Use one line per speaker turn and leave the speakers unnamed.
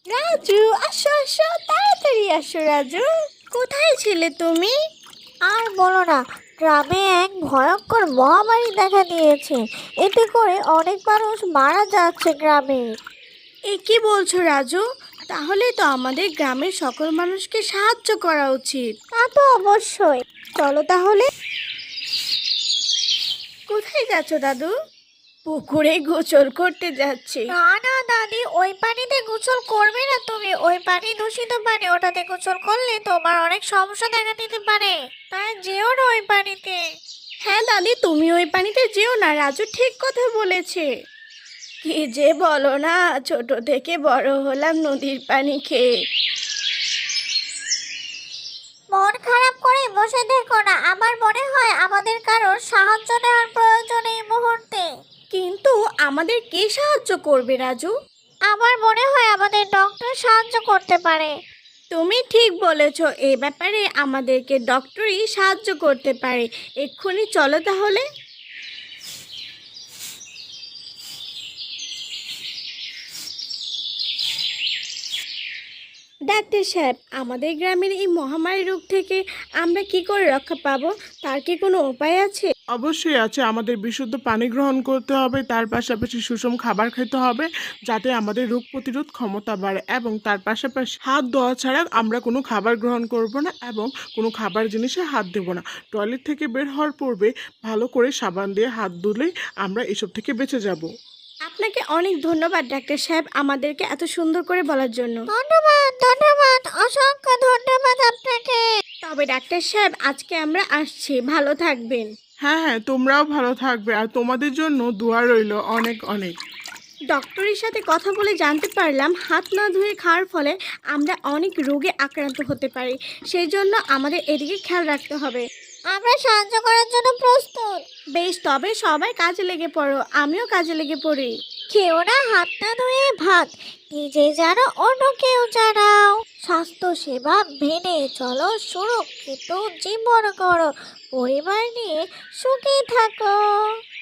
রাজু, আসো আসো, তাড়াতাড়ি আসো রাজু। কোথায় ছিলে তুমি?
আর বলো না, গ্রামে এক ভয়ঙ্কর মহামারী দেখা দিয়েছে। এতে করে অনেক মানুষ মারা যাচ্ছে গ্রামে।
এ কি বলছো রাজু? তাহলে তো আমাদের গ্রামের সকল মানুষকে সাহায্য করা উচিত।
তা তো অবশ্যই।
চলো তাহলে। কোথায় যাচ্ছ দাদু? পুকুরে গোসল করতে যাচ্ছি।
না না দাদি, ওই পানিতে গোসল করবে না তুমি। ওই পানি দূষিত পানি, ওটাতে গোসল করলে তোমার অনেক সমস্যা দেখা দিতে পারে। তাই যেও না ওই পানিতে।
হ্যাঁ দাদি, তুমি ওই পানিতে যেও না, রাজু ঠিক কথা বলেছে। কি যে বলো না, ছোট থেকে বড় হলাম নদীর পানি খেয়ে।
মন খারাপ করে বসে দেখো না, আমার মনে হয় আমাদের কারোর সাহায্য নেওয়ার প্রয়োজন এই মুহূর্তে।
কিন্তু আমাদের কে সাহায্য করবে রাজু?
আমার মনে হয় আমাদের ডক্টর সাহায্য করতে পারে।
তুমি ঠিক বলেছ, এ ব্যাপারে আমাদেরকে ডক্টরই সাহায্য করতে পারে। এক্ষুনি চলো তাহলে। ডাক্তার সাহেব, আমাদের গ্রামের এই মহামারী রোগ থেকে আমরা কি করে রক্ষা পাবো, তার কি কোনো উপায় আছে?
অবশ্যই আছে। আমাদের বিশুদ্ধ পানি গ্রহণ করতে হবে, তার পাশাপাশি সুষম খাবার খেতে হবে যাতে আমাদের রোগ প্রতিরোধ ক্ষমতা বাড়ে, এবং তার পাশাপাশি হাত ধোয়া ছাড়া আমরা কোনো খাবার গ্রহণ করব না এবং কোনো খাবার জিনিসে হাত দেব না। টয়লেট থেকে বের হওয়ার পূর্বে ভালো করে সাবান দিয়ে হাত ধুলেই আমরা এসব থেকে বেঁচে যাব।
আপনাকে অনেক ধন্যবাদ ডাক্তার সাহেব, আমাদেরকে এত সুন্দর করে বলার জন্য।
ধন্যবাদ ধন্যবাদ, অসংখ্য ধন্যবাদ আপনাকে।
তবে ডাক্তার সাহেব, আজকে আমরা আসছি, ভালো থাকবেন।
হ্যাঁ হ্যাঁ, তোমরাও ভালো থাকবে, আর তোমাদের জন্য দোয়া রইল অনেক অনেক।
ডক্টরের সাথে কথা বলে জানতে পারলাম হাত না ধুয়ে খাওয়ার ফলে আমরা অনেক রোগে আক্রান্ত হতে পারি। সেই জন্য আমাদের এদিকে খেয়াল রাখতে হবে।
আমরা সাহায্য করার জন্য প্রস্তুত।
বেশ, তবে সবাই কাজে লেগে পড়ো, আমিও কাজে লেগে পড়ি।
কেউ না হাত না ধুয়ে ভাত, নিজে জানো অন্যকেও জানাও। স্বাস্থ্য সেবা মেনে চলো, সুরক্ষিত জীবন করো, পরিবার নিয়ে সুখী থাকো।